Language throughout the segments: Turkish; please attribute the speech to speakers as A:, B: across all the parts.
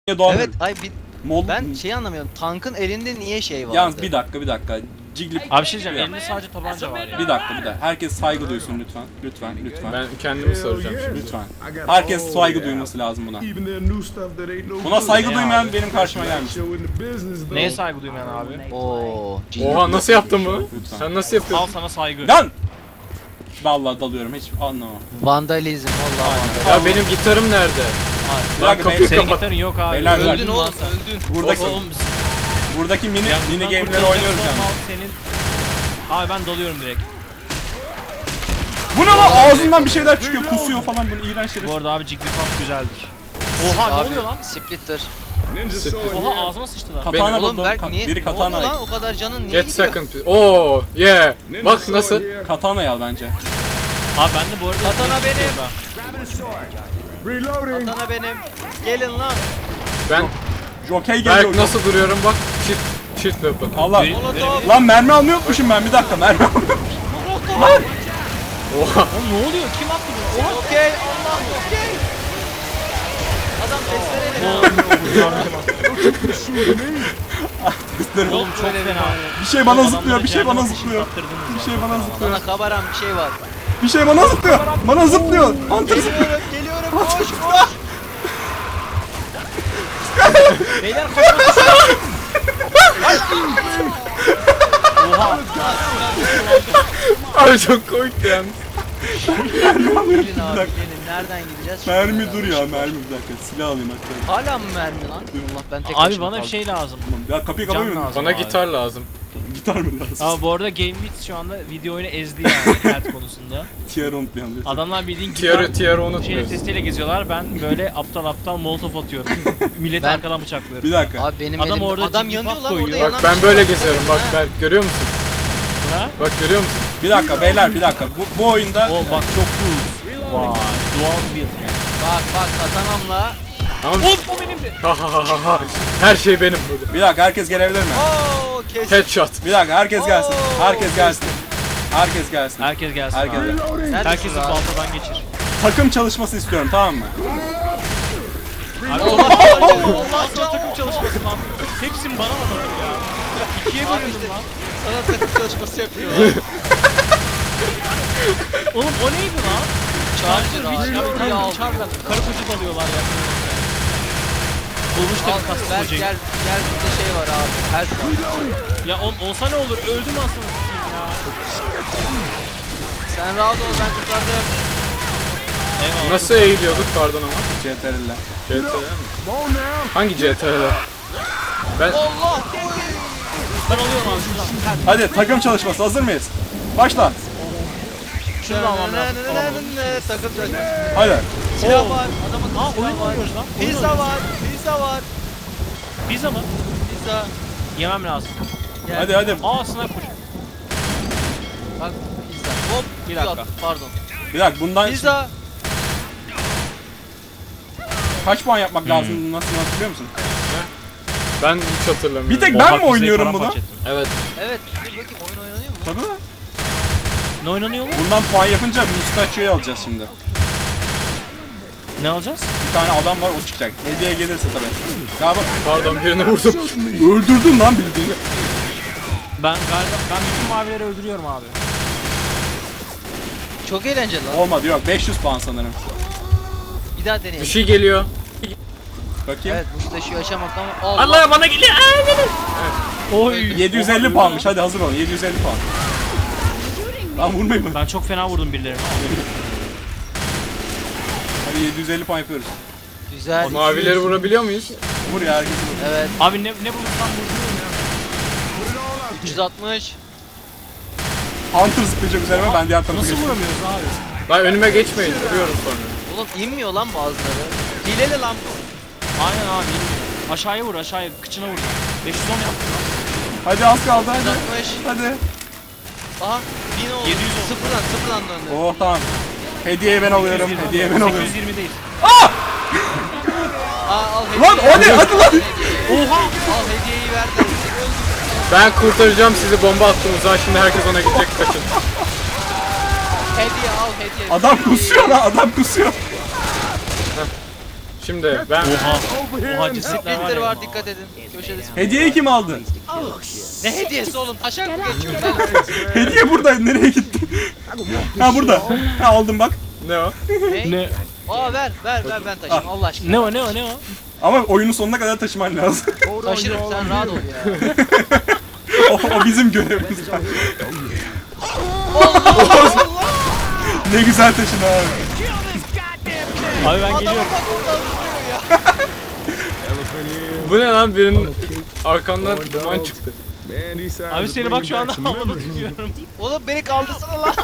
A: Evet, ay ben
B: şey
A: anlamıyorum. Tankın elinde niye şey var?
B: Yalnız bir dakika. Jiggly...
C: Abi şey diyeceğim, elinde sadece tabanca var ya.
B: Bir dakika. Herkes saygı duysun lütfen.
D: Ben kendimi soracağım şimdi.
B: Lütfen. Herkes saygı duyması lazım buna. Buna saygı duymayan benim karşıma gelmiş.
C: Neye saygı duymayan abi?
A: Oo.
D: Oha, nasıl yaptın bunu?
B: Lütfen.
D: Sen nasıl
C: Al
D: yapıyorsun?
C: sana saygı.
B: Lan! Vallahi dalıyorum hiç anlamam.
A: Vandalizm vallahi.
D: Ya benim gitarım nerede?
B: Bir
D: Lan
B: dakika,
D: kapıyı
C: Senin
D: kapat.
C: gitarın yok abi.
B: Beyler,
A: Öldün
B: bak.
A: oğlum, öldün.
B: Buradaki mini game'leri oynuyoruz yani.
C: Senin... Abi ben dalıyorum direkt.
B: Bu ne lan? Ağzından bir şeyler çıkıyor, kusuyor falan, bunu iğrenç şeyler.
C: Bu arada abi Jigglypuff güzeldir. Oha ne oluyor lan?
A: Splitter.
C: Oha ağzıma sıçtı lan.
B: Katana
A: Oğlum
B: buldum.
A: Berk niye?
B: Biri
A: Ne
B: katana
A: oldu
B: al.
A: lan? O kadar canın niye
D: Get
A: gidiyor?
D: second. Oo, yeah. Bak nasıl?
B: Katana al bence.
C: Abi ben de bu arada...
A: Katana benim.
E: Reloading.
A: Katana benim. Gelin lan.
D: Ben
B: Jockey geliyor.
D: Berk nasıl duruyorum bak. Shift weapon.
B: Allah.
A: Molotov.
B: Lan mermi almayı unutmuşum ben, bir dakika mermi almayı.
D: Oha.
C: Oğlum ne oluyor? Kim attı bunu? Oha!
A: Okey. Allah okey. Adam testereyle.
C: Oğlum çok fena.
B: Bir şey bana
C: Adamlara
B: zıplıyor, bir şey bana
C: cehennem
B: zıplıyor.
C: ateşi
B: Bir şey bana zıplıyor.
A: Bana kabaran bir şey var.
B: Bir şey bana zıplıyor. Bana zıplıyor. Hunter zıplıyor.
A: Geliyorum. Koş koş.
C: Beyler kaçın. Oha!
D: Abi çok komikti yalnız.
A: Gelin abi gelin. Nereden gideceğiz?
B: Mermi dur ya, mermi bir dakika. Silah alayım hatta.
A: Hala mı mermi lan? Allah ben tek
C: Abi
A: başıma
C: bana bir
A: kaldım.
C: şey lazım.
B: Ya kapıyı
C: Can
B: kapamıyor musun?
C: lazım.
D: Bana
C: Abi.
D: gitar lazım.
B: Gitar mı lazım?
C: Ama bu arada GameWith şu anda video oyunu ezdi yani kart konusunda.
B: Tier unutmayalım lütfen.
C: Adamlar bildiğin
D: Tier'ı
C: şey
D: unutmuyoruz.
C: testiyle geziyorlar. Ben böyle aptal molotov atıyorum. Milleti
A: Ben-
C: arkadan bıçaklıyorum.
B: Bir dakika.
A: Abi benim
C: Adam
A: elim
C: orada
A: adam
C: ciddi
A: yanıyor
C: bak
A: lan orada
C: koyuyor.
A: yanan
D: Bak
A: bir
D: ben
A: şey
D: böyle
A: var.
D: geziyorum bak
A: Ha.
D: Berk görüyor musun?
C: Ha?
D: Bak görüyor musun?
B: Bir dakika beyler, bir dakika. Bu oyunda
C: O bak çok cool. Vay. Doğal bir yani.
A: Bak katanamla.
D: Ama
C: O benimdi.
D: ha ha ha ha ha. Her şey benim burada.
B: bir dakika, herkes gelebilir mi?
A: Oo kes.
D: Headshot.
B: Bir dakika, herkes gelsin.
A: Oo.
B: Herkes gelsin. Herkes gelsin.
C: Herkes gelsin
B: Herkes
C: abi.
B: gelsin.
C: Herkesi baltadan geçir.
B: Takım çalışması istiyorum, tamam mı?
C: Abi Allah sana takım çalışması lan. Hepsini bana mı atıyor ya? İkiye
A: Abi
C: bölündüm
A: işte
C: lan.
A: sana takım çalışması yapıyor.
C: Oğlum o neydi lan?
A: Charger abi.
C: Ya bir tane uçarlar. Karı koca dalıyorlar ya. Bulmuş
A: Al
C: tabii kastı
A: gel
C: kocayı.
A: gel burada şey var abi. Her şey.
C: Ya olsa ne olur? Öldüm aslında ya.
A: Sen rahat ol ben kurtardım.
C: Eyvallah.
D: Nasıl eğiliyorduk pardon ama?
B: CTRL'le.
D: CTRL mi? Hangi CTRL? Ben
A: Allah.
C: Ben alıyorum abi şuradan.
B: Hadi takım çalışması, hazır mıyız? Başla.
C: Şunu da almam lazım.
A: Takım çalışması.
B: Hadi.
A: Silah var. Adamın
C: Aa
A: silah
C: oyun
A: var.
C: oynuyoruz lan. Oyun
A: Pizza
C: oynuyoruz.
A: var. Pizza var.
C: Pizza mı?
A: Pizza.
C: Yemem lazım.
A: Gel.
B: Hadi.
C: Aa sniper.
A: Bak pizza. Hop.
C: Bir dakika.
A: Pardon.
B: Bir dakika, bundan
A: Pizza.
B: kaç puan yapmak lazım? Nasıl hatırlıyor musun?
D: ben hiç hatırlamıyorum.
B: Bir tek
C: Oha,
B: ben mi
C: pizzayı
B: oynuyorum bunu?
C: paramparça ettim.
D: Evet.
A: Evet. Dur bakayım oyun oynanıyor mu?
B: Tabii.
C: Ne oynanıyor mu?
B: Bundan puan yapınca Mustachio'yu alacağız şimdi.
C: Ne alacağız?
B: Bir tane adam var, o çıkacak. Hediye gelirse tabii. Ya bak,
D: Pardon birini vurdum.
B: öldürdün lan bildiğini.
C: Ben bütün mavileri öldürüyorum abi.
A: Çok eğlenceli lan.
B: Olmadı, yok 500 puan sanırım.
A: Bir daha
D: Bir
A: deneyelim.
D: şey geliyor.
B: Bakayım.
A: Evet bu taşı yaşamak ama Allah.
D: Allah bana geliyor.
C: Oy.
B: 750 puanmış, hadi hazır olun, 750 puan. Lan vurmayın mı?
C: Ben çok fena vurdum birilerine.
B: Hadi 750 puan yapıyoruz.
A: Güzel.
D: Mavileri vurabiliyor muyuz?
B: Vur ya, herkesi vur.
A: Evet.
C: Abi ne bulursam vuruyorum ya.
A: 360.
B: Hunter zıplayacak üzerime, ben diğer tarafa
C: Nasıl
B: geçtim.
C: vuramıyoruz abi?
D: Lan önüme geçmeyin. Vuruyorum sonra.
A: Oğlum inmiyor lan bazıları. Hileli lan bu.
C: Aynen abi. Aşağıya vur aşağıya. Kıçına vur. 510 yaptım lan.
B: Hadi az kaldı, hadi.
A: 160.
B: Hadi.
A: Aha 1000 oldu.
C: 700 oldu.
A: Sıfırdan döndü.
B: Oh tamam. Hediyeyi ben alıyorum,
C: 820.
B: hediyeyi ben alıyorum.
C: 820 değil.
A: Aa al hediyeyi.
B: Lan o ne? Hadi lan.
C: Oha!
A: Al hediyeyi ver de.
D: Ben kurtaracağım sizi, bomba attım uzağa, şimdi herkes ona gidecek, kaçın.
A: Hediye al hediye.
B: Adam kusuyor lan, adam kusuyor.
D: Şimdi ben
C: Oha cesetler var
A: Splinter
C: ya.
A: var, dikkat edin. Köşede splinter.
B: Hediyeyi kim aldı?
A: Ne hediyesi oğlum? Taşak mı geçiyorum ben?
B: Hediye buradaydı. Nereye gitti? Ha burada. Ha aldım bak.
D: ne o?
A: Ne?
C: Ne?
A: Aa ver ben taşıyayım Allah aşkına.
C: Ne o ne o ne o?
B: Ama oyunun sonuna kadar taşıman lazım.
A: Taşırım sen rahat ol ya.
B: o bizim görevimiz. Ne güzel taşın abi.
C: Abi ben geliyorum.
D: Bu ne lan, birinin arkandan duman çıktı.
C: Abi seni bak şu anda havada tutuyorum.
A: Oğlum beni kaldırsana lan.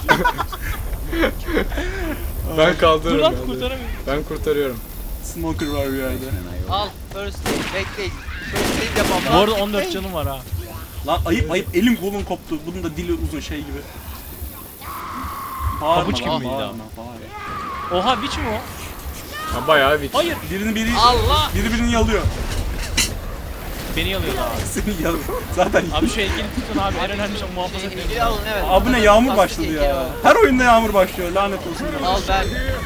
D: Ben
C: Dur
D: kaldırırım.
C: lan
D: ben de.
C: kurtaramıyorum.
D: Ben kurtarıyorum.
B: Smoker var bir yerde.
A: Al first aid bekleyin. First aid yapalım.
C: Bu arada 14 canım var ha.
B: Lan ayıp elim kolum koptu. Bunun da dili uzun şey gibi. Bağırma
C: Pabuç gibi
B: lan,
C: miydi
B: bağırma, bağırma.
C: Oha biç mi o?
D: Ha bayağı bir.
C: Hayır.
A: Allah.
B: Birini yalıyor.
C: Beni yalıyor abi.
B: Seni yalıyor. Zaten
C: Abi şu heykeli tutun abi. En önemli şey muhafaza etmemiz
A: Heykeli
C: lazım.
A: alın evet.
B: Abi ne yağmur
A: Plastik
B: başladı
A: heykeli
B: ya.
A: var.
B: Her oyunda yağmur başlıyor. Lanet olsun.
A: Al ben.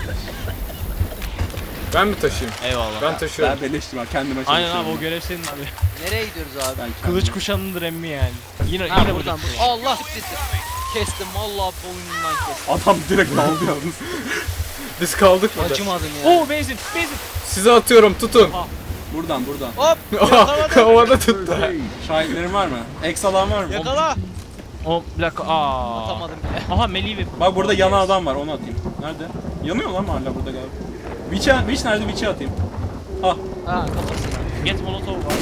D: Ben mi taşıyayım?
C: Eyvallah.
D: Ben taşıyorum.
B: Ben beleştim ha kendime çalışıyorum.
C: Aynen abi o görev senin abi.
A: Nereye gidiyoruz abi?
B: Ben
C: Kılıç kuşanındır emmi yani. Yine
A: Ha
C: yine
A: buradan.
C: buradan.
A: Allah siktir. Kestim vallahi boynundan kestim.
B: Adam direkt daldı yalnız.
D: Biz kaldık burada.
A: Acımadım ya.
C: Oo benzin benzin.
D: Size atıyorum, tutun.
B: Buradan.
A: Hop.
D: Oha,
A: Yakaladım.
D: havada tuttu.
B: Şahitlerin var mı? Eks alan var mı?
A: Yakala.
C: O bir dakika. Aa.
A: Atamadım bile.
C: Aha Melih ve...
B: Bak burada yanan adam var, onu atayım. Nerede? Yanıyor lan hala burada galiba. Witch nerede? Witch'i atayım. Ah,
A: Ha kafasına.
C: Get Molotov var.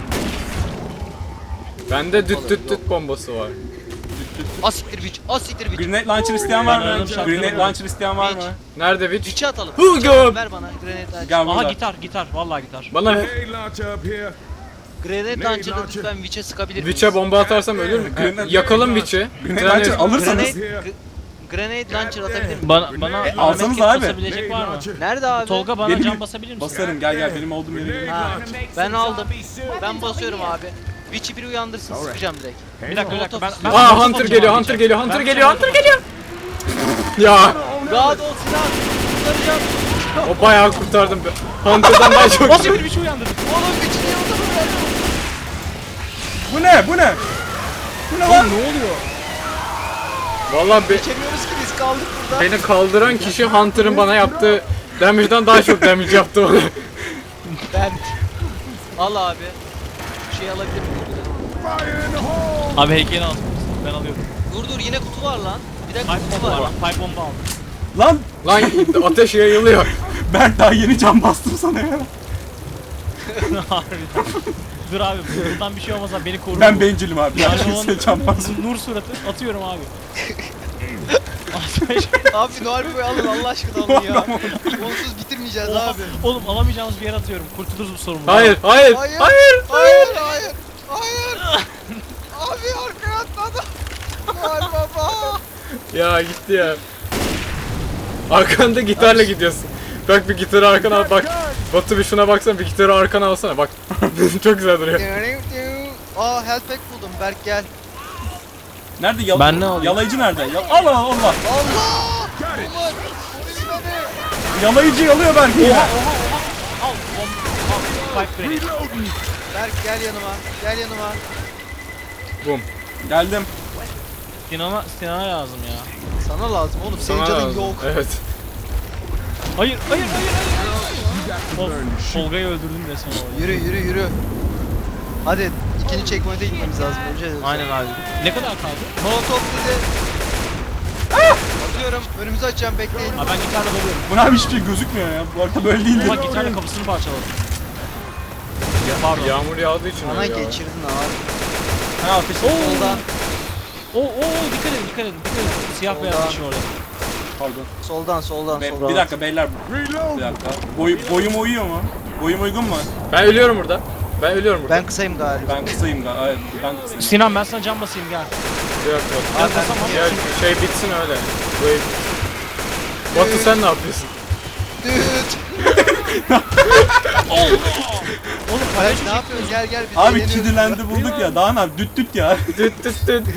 D: Bende düt bombası var.
A: Asiktir biç. Asiktir biç.
B: grenade launcher isteyen var
C: Ben
B: mı?
C: aradım, şartları
B: Grenade
C: buldum.
B: launcher isteyen var mı?
A: Witch.
D: Nerede Witch?
A: Biç'i atalım.
D: Hı,
A: Biç'i atalım.
D: göm.
A: Ver bana grenade launcher.
B: Gel
C: Aha
B: burada.
C: gitar. Vallahi gitar.
D: Bana ver.
A: Grenade launcher'da lütfen Witch'e sıkabilir miyiz?
D: Witch'e bomba atarsam ölür mü?
B: Grenade-
D: Yakalım Witch'i.
B: Grenade launcher alırsanız.
A: Grenade launcher atabilir miyim?
C: Bana
B: alsanız
C: medkit
B: abi.
C: basabilecek var mı?
A: Nerede abi?
C: Tolga bana
B: Benim-
C: can basabilir misin?
B: Basarım gel benim olduğum yere gel.
A: Ha, ben aldım. Ben basıyorum abi. Witch'i biri uyandırsın sıkacağım direkt.
C: Bir dakika ben
D: Aa
C: Molotov
D: Hunter geliyor,
C: atacağım.
D: Hunter geliyor, Hunter
C: Ben-
D: geliyor, Hunter geliyor. Ya
A: God ol silah. Kurtaracağım.
D: o bayağı kurtardım. Hunter'dan daha çok.
C: Nasıl bir şey uyandırdı?
A: Oğlum Witch'i niye unutamıyorum?
B: Bu ne? Bu ne? Bu ne lan?
D: Vallahi
A: Geçemiyoruz ki biz kaldık burada.
D: beni kaldıran kişi Hunter'ın bana yaptığı damage'den daha çok damage yaptı bana.
A: Ben. Al abi. Şey alabilir miyim?
C: Abi heykeli al. Ben alıyorum.
A: Dur yine kutu var lan. Bir dakika
C: Pipe
A: kutu
C: bomba
A: var.
C: var. Pipe bomba aldım.
B: Lan
D: Lan ateş yayılıyor.
B: ben daha yeni can bastım sana ya.
C: Harbiden. Dur abi buradan bir şey olmaz abi beni koru.
B: Ben bencilim abi. Ben
C: Yani
B: kimseye can basmıyorum.
C: Nur suratı atıyorum abi.
A: Abi Noel Boy alın Allah aşkına alın ya. Onsuz bitirmeyeceğiz
C: Oha,
A: abi.
C: oğlum alamayacağımız bir yere atıyorum. Kurtuluruz bu sorumluluğu.
D: Hayır, hayır,
A: Hayır.
D: hayır.
A: Hayır. Abi arkaya atladı. Noel Baba.
D: Ya gitti ya. Arkanda gitarla gidiyorsun. Bak bir gitarı arkana al bak. Batu bir şuna baksana, bir gitarı arkana alsana bak. Çok güzel duruyor.
A: Aa health pack buldum Berk gel.
B: Nerede
C: Ben ne alayım?
B: Yalayıcı nerede? Allah Allah.
A: Allah. Ulan. Polis beni.
B: Yalayıcı yalıyor belki ya.
C: Al bomba. Al. Pipe grenade.
A: Berk gel yanıma. Gel yanıma.
D: Bum.
B: Geldim.
C: Sinan'a lazım ya.
A: Sana lazım oğlum. Senin
D: Sana
A: canın
D: lazım.
A: yok.
D: Evet.
C: Hayır. Tolga'yı öldürdüm resmen orada.
A: Yürü. Hadi ikinci checkpoint'e gitmemiz lazım. Önce
C: Aynen abi. Ne kadar kaldı?
A: Molotov dedi. Atıyorum. Önümüzü açacağım bekleyin.
C: Abi ben gitarla dalıyorum.
B: Buna abi hiçbir şey gözükmüyor ya. Bu arada böyle değildi.
C: Ama gitarla kapısını parçaladım. Pardon.
D: Yağmur yağdığı için
A: Bana
D: öyle ya.
A: geçirdin abi.
B: Ha ateş.
A: Soldan.
C: Dikkat edin. Siyah beyaz
A: Soldan.
C: bir şey orada.
B: Pardon.
A: Soldan.
B: Bir dakika beyler. Bir dakika. Boyum uyuyor mu? Boyum uygun mu?
D: Ben ölüyorum burada.
A: Ben kısayım galiba.
B: Ben kısayım galiba. Evet, ben kısayım.
C: Sinan ben sana can basayım gel.
D: Yok.
C: Gel basamam.
D: Ya şey bitsin öyle. Böyle. Batu sen ne yapıyorsun?
A: Düt.
C: Oğlum
A: Hayır ne yapıyorsun? Gel biz
B: Abi
A: eğleniyoruz.
B: Kidilendi bulduk ya. Daha ne yap? Düt ya.
D: Düt düt düt.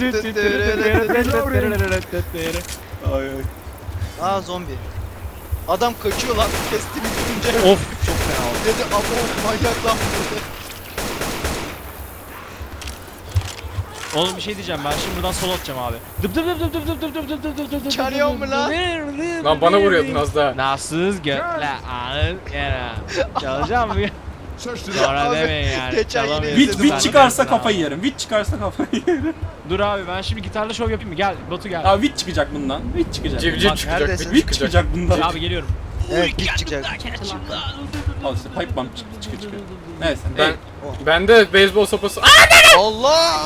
B: Ay ay.
A: Aa zombi. Adam kaçıyor lan. Kesti bitirince.
C: Of çok fena oldu.
A: Dedi abo manyak lan.
C: Oğlum bir şey diyeceğim ben şimdi buradan solo atacağım abi. Dıp dıp dıp dıp dıp dıp dıp dıp dıp dıp dıp dıp dıp
A: Çalıyor
C: dıp
A: mu
C: dıp
A: lan?
C: dıp
D: Lan bana vuruyordun az daha.
C: Nasılsız götle anın yere. Çalacağım mı? Sonra
A: Abi,
C: demeyin yani.
A: geçen yine
C: Çalamıyorum.
A: izledim
B: Witch
A: ben.
B: çıkarsa kafayı yerim. Witch çıkarsa kafayı yerim.
C: Dur abi ben şimdi gitarla şov yapayım mı? Gel Batu gel.
B: Abi Witch çıkacak bundan. Witch çıkacak.
D: Civciv
C: Bak,
D: çıkacak.
A: neredesin?
D: Witch
B: Witch
D: çıkacak.
B: çıkacak bundan.
C: Abi geliyorum.
A: Evet hiç çıkacak.
B: Al işte pipe bomb çıkıyor. Neyse.
D: Ben bende beyzbol sopası.
A: Allah!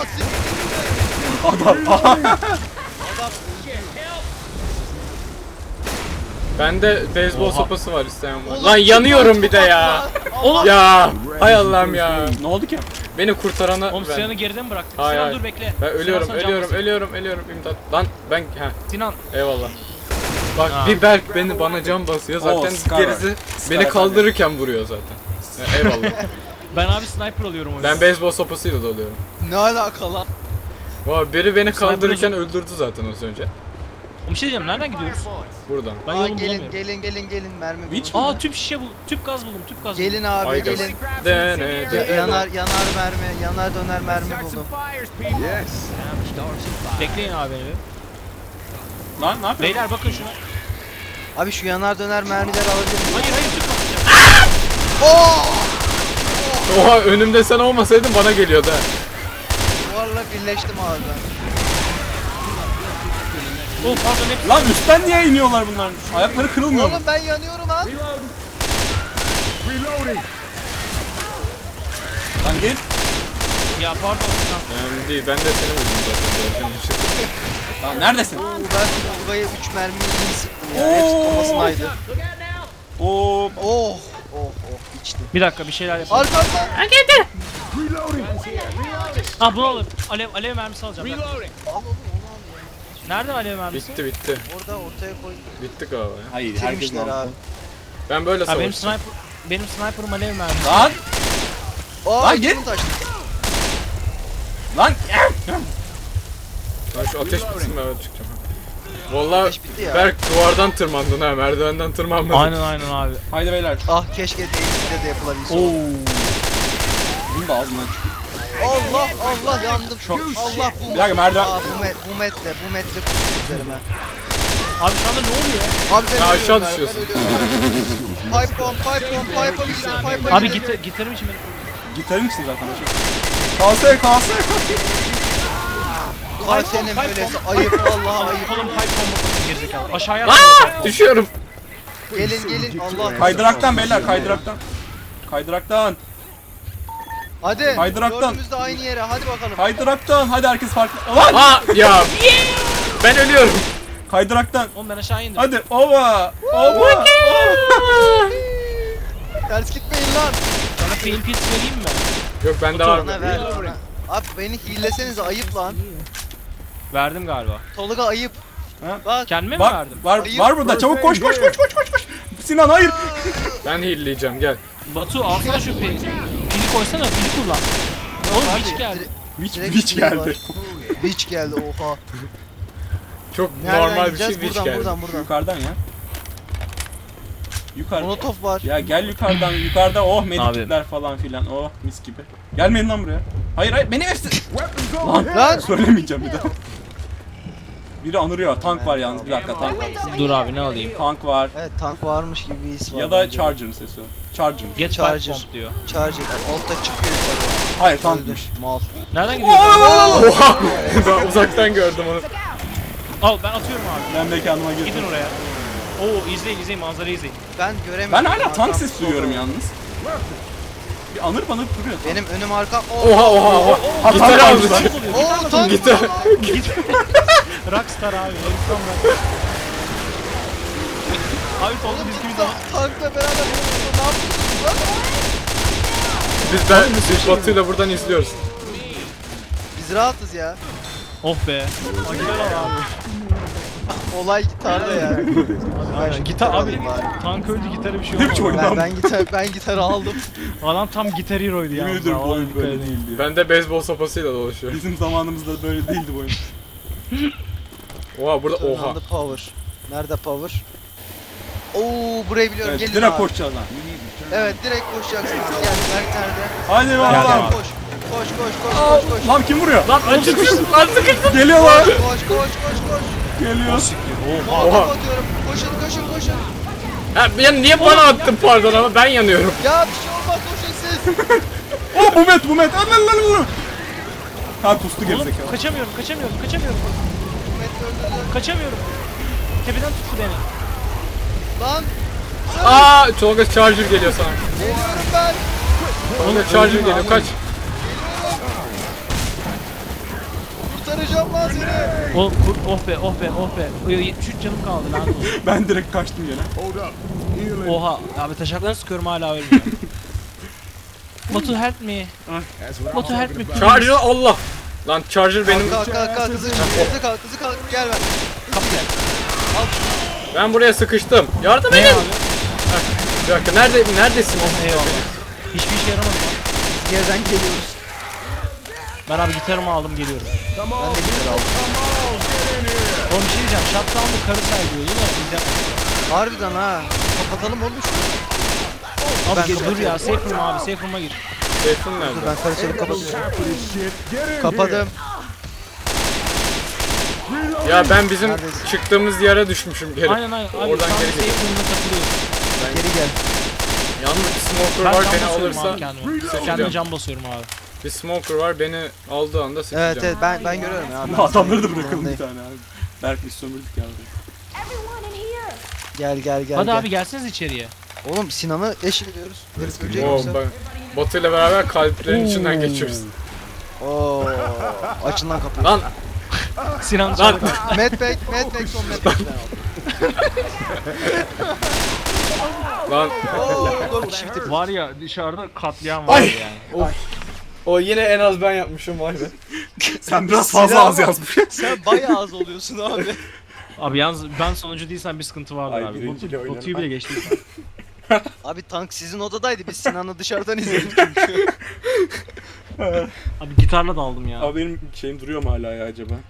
D: Bende beyzbol
C: Oha.
D: sopası var isteyen var.
A: Oğlum,
D: Lan yanıyorum bir de ya.
C: Oğlum.
D: Ya hay Allah'ım ya.
B: Ne oldu ki?
D: Beni kurtarana
C: Oğlum
D: ben.
C: Sinan'ı geride mi bıraktın?
D: Hayır,
C: Sinan
D: hayır.
C: dur bekle.
D: Ben ölüyorum,
C: Sinan, sana can
D: ölüyorum,
C: basayım.
D: ölüyorum imdat. Lan ben
C: Sinan.
D: eyvallah. Bak
C: Ha.
D: bir Berk bana can basıyor zaten
B: Scar
D: gerisi
B: var.
D: beni
B: Scar
D: kaldırırken vuruyor zaten. Eyvallah.
C: Ben abi sniper oluyorum o yüzden.
D: Ben beyzbol sopasıyla doluyorum.
A: Ne alaka lan?
D: Vay biri beni
C: Sniper
D: kaldırırken öldürdü zaten az önce.
C: Bir şey diyeceğim nereden gidiyoruz?
D: Buradan.
C: Ben
A: Aa,
C: yolumu
A: gelin
C: bulamıyorum.
A: gelin mermi
B: Witch
A: bulun.
C: Aa tüp şişe bul. Tüp gaz buldum. Tüp gaz buldum.
A: Gelin abi
D: Ay gaz.
A: gelin.
D: Dene.
A: Yanar mermi, yanar döner mermi buldum.
C: Bekleyin abi beni. bir.
B: Lan ne yapıyorsun?
C: Beyler bakın şuna.
A: Abi şu yanar döner mermileri alabilir miyim?
C: Hayır tüp atacağım.
D: Oha önümde sen olmasaydın bana geliyordu ha.
A: Duvarla birleştim abi ben.
C: Oh pardon hep.
B: Lan üstten niye iniyorlar bunlar? Ayakları kırılmıyor mu?
A: Oğlum ben yanıyorum lan.
B: Lan gel.
C: Ya pardon Sinan.
D: Önemli değil ben de seni vurdum zaten.
B: Lan neredesin?
A: Oo, ben Tolga'ya 3 mermiyi iyi sıktım ya. Hepsi kafasındaydı.
B: Oo.
A: Oh içtim.
C: Bir dakika bir şeyler yapalım.
A: Arkamdan.
C: Ah bunu alın. Alev mermisi alacağım. Ben. Nerede alev mermisi?
D: Bitti.
A: Orada ortaya koy.
D: Bitti galiba ya.
B: Hayır herkes
A: Bitirmişler abi.
D: Ben böyle
C: Ha benim
D: savaştım.
C: sniper'ım alev mermisi.
B: Lan.
A: Aa
B: Lan git.
A: içim taştı.
B: Lan.
D: Ben şu ateş bitsin ben öyle çıkacağım. Vallahi
A: Ateş bitti ya.
D: Berk duvardan tırmandın ha merdivenden tırmanmadın.
C: Aynen abi.
B: Haydi beyler.
A: Ah keşke değişikte de yapılabilse.
B: Oo. Bunu da ağzından çık.
A: Allah yandım. Allah bu.
B: Bir dakika, merdiven-
A: Aa, bu metre kurdu üzerime.
C: Abi şu anda ne oluyor?
A: Abi ben
D: Ya aşağı
A: ölüyorum ben
D: düşüyorsun.
A: ölüyorum. Pipe bomb pipe'a
C: Abi
A: gidin.
C: gitarım için benim.
B: Gitarın için zaten. Kalsaya.
A: Vay senin böylesi ayıp vallahi ayıp.
C: Kolum pipe bombası gerizekalı. Aşağıya
D: Aa,
C: atma.
D: düşüyorum.
A: Gelin Allah.
B: Kaydıraktan beyler kaydıraktan. Kaydıraktan.
A: Hadi.
B: Kaydıraktan.
A: Dördümüz de aynı yere hadi bakalım.
B: Kaydıraktan. Hadi herkes farklı. Lan.
D: Aa ya. Ben ölüyorum.
B: Kaydıraktan.
C: Oğlum ben aşağı indim.
B: Hadi ova.
A: Ters gitmeyin lan.
C: Sana pain pills vereyim mi?
D: Yok bende var.
A: Bana ver bana. Abi beni hillesenize ayıp lan.
C: Verdim galiba.
A: Tolga ayıp.
B: Ha?
A: Bak.
C: Kendime mi
B: Bak
C: verdim?
B: var
A: Hayır.
B: burada. Çabuk koş. Sinan hayır.
D: Ben heal'leyeceğim gel.
C: Batu alsana şu pili. Pili koysana pili kullan. Oğlum
A: Abi,
C: hiç geldi.
B: Witch geldi.
A: Witch geldi oha.
D: Çok
A: Nereden
D: normal bir şey
A: gideceğiz?
D: hiç geldi.
A: Buradan.
B: Yukarıdan ya. Yukarı.
A: Molotov var.
B: Ya gel yukarıdan. Yukarıda oh medikitler falan filan. Oh mis gibi. Gelmeyin lan buraya. Hayır benim hepsi.
A: Lan.
B: Söylemeyeceğim bir daha. Biri anırıyor. Tank var yalnız. Bir dakika tank var.
C: Dur abi ne alayım?
B: Tank var.
A: Evet tank varmış gibi bir his var.
B: Ya da
A: bence.
B: Charger'ın sesi. Charger.
C: Get
A: Charger.
C: Charger. Bomb diyor.
A: Charger. Altta çıkıyor yukarı.
B: Hayır
A: Öldür.
B: tankmış.
A: Mal.
C: Nereden gidiyorsun?
D: Oha! Ben uzaktan gördüm onu.
C: Al ben atıyorum abi.
B: Ben mekanıma girdim.
C: Gidin oraya. Oo izleyin manzarayı izleyin.
A: Ben göremiyorum.
B: Ben hala
A: Arkam
B: tank sesi
A: solda.
B: duyuyorum yalnız. Bir anır duruyor.
A: Benim önüm arkam.
D: Oha. Gitar aldı.
A: Oo tank.
D: Gitar.
C: Rockstar abi. Heriften ben. Abi solda biz gibi zaman.
A: Tankla beraber ne yapıyorsunuz lan?
D: Biz Batu'yla buradan izliyoruz.
A: Biz rahatız ya.
C: Oh be. Gitar al abi.
A: Olay gitarda ya.
C: Aynen. Gitar abi.
A: alayım bari.
C: Tank öldü gitarı bir şey
B: Ne biçim
C: olmadı.
B: oyun lan?
A: Ben gitarı aldım.
C: Adam tam gitar hero'ydu ya.
B: Yemin ediyorum bu
C: Vallahi
B: oyun
C: dikkat
B: böyle
C: edin.
B: değildi.
D: Ben de beyzbol sopasıyla dolaşıyorum.
B: Bizim zamanımızda böyle değildi bu oyun.
D: Oha burada oha.
A: Oha. Power. Nerede power? Oo burayı biliyorum.
B: Evet,
A: Gelin
B: direkt
A: abi.
B: koşacağız lan.
A: Evet direkt koşacaksın abi. Gel Berk nerede?
B: Hadi
C: Geldim
B: bakalım.
C: abi.
A: Koş. Koş koş koş koş koş.
B: Lan kim vuruyor?
D: Lan sıkıştım lan sıkıştım.
B: Geliyor lan.
A: Koş koş koş koş.
B: Geliyor.
A: Molotov atıyorum. Koşun koşun koşun.
D: Ha, ya niye bana attın pardon ama ben yanıyorum.
A: Ya bir şey olmaz koşun siz.
B: Oh Bumet. Lan. Ha pustu
C: Oğlum
B: gerizekalı.
C: kaçamıyorum.
A: Met öldürdü.
C: Kaçamıyorum. Tepeden tuttu beni.
A: Lan
D: Aa Tolga Charger geliyor sana.
A: geliyorum ben.
D: Tolga Charger geliyor kaç.
A: Kurtaracağım lan seni.
C: Oh be. 73 canım kaldı lan.
B: Ben direkt kaçtım gene.
C: Oha. Abi taşaklarını sıkıyorum hala ölmüyor. Batu help me. Batu help me. please.
D: Charger Allah. Lan Charger benim.
A: Kalk hızlı kalk hızlı kalk gel ben.
C: Kapıya.
D: Ben buraya sıkıştım. Yardım
C: Ne
D: edin.
C: abi?
D: Bir dakika neredesin?
C: Eyvallah. Hiçbir işe yaramadı lan.
A: Geriden geliyoruz.
C: Ben abi gitarımı aldım geliyorum.
A: Ben de gitar aldım.
C: Oğlum bir şey diyeceğim. Shutdown'da karı saygıyor değil mi? Biz
A: Harbiden ha. Kapatalım oğlum şunu.
C: Abi
A: Ben
C: dur
A: kapatıyorum.
C: ya. Safe room abi. Safe room'a gir.
D: Seyfun
A: Dur
D: nerede?
A: ben karıştırıp kapatıyorum. Kapadım.
D: Ya ben bizim
A: Neredesin?
D: çıktığımız yere düşmüşüm geri.
C: Aynen. Abi
D: Oradan
C: tam
D: geri
C: safe
D: geliyor.
C: room'da takılıyoruz.
A: Geri gel.
D: Yalnız bir smoker
C: Ben
D: var
C: cam
D: beni
C: basıyorum
D: alırsa
C: abi kendime.
D: sıkacağım.
C: Kendime cam basıyorum abi.
D: Bir smoker var beni aldığı anda sıkacağım.
A: Evet ben görüyorum ya. Ben
B: Adamları da
A: sana
B: bırakalım bir
A: yanındayım.
B: tane abi. Berk biz sömürdük ya.
A: Gel
C: Hadi
A: gel.
C: abi gelseniz içeriye.
A: Oğlum Sinan'ı eşiliyoruz. Herif ölecek
D: Oo,
A: yoksa.
D: Batu ile beraber kalplerin içinden geçiyoruz.
A: Oo. Açın lan kapıyı.
D: Lan
C: Sinan
D: lan
C: çağır.
A: Medpack son Medpack ben aldım.
D: lan.
A: Oo 4 kişi bitirdik.
C: Var ya dışarıda katliam var
D: Ay.
C: yani.
D: O yine en az ben yapmışım vay be.
B: Sen biraz fazla
A: Silah
B: az
A: var.
B: yazmışsın.
A: Sen bayağı az oluyorsun abi.
C: Abi yalnız ben sonuncu değilsem bir sıkıntı vardır
B: Ay,
C: abi.
B: birinciyle oynarım.
C: Batu'yu bile geçtik.
A: Abi tank sizin odadaydı. Biz Sinan'ı dışarıdan izledik çünkü.
C: Abi gitarla daldım ya.
B: Abi benim şeyim duruyor mu hala ya acaba?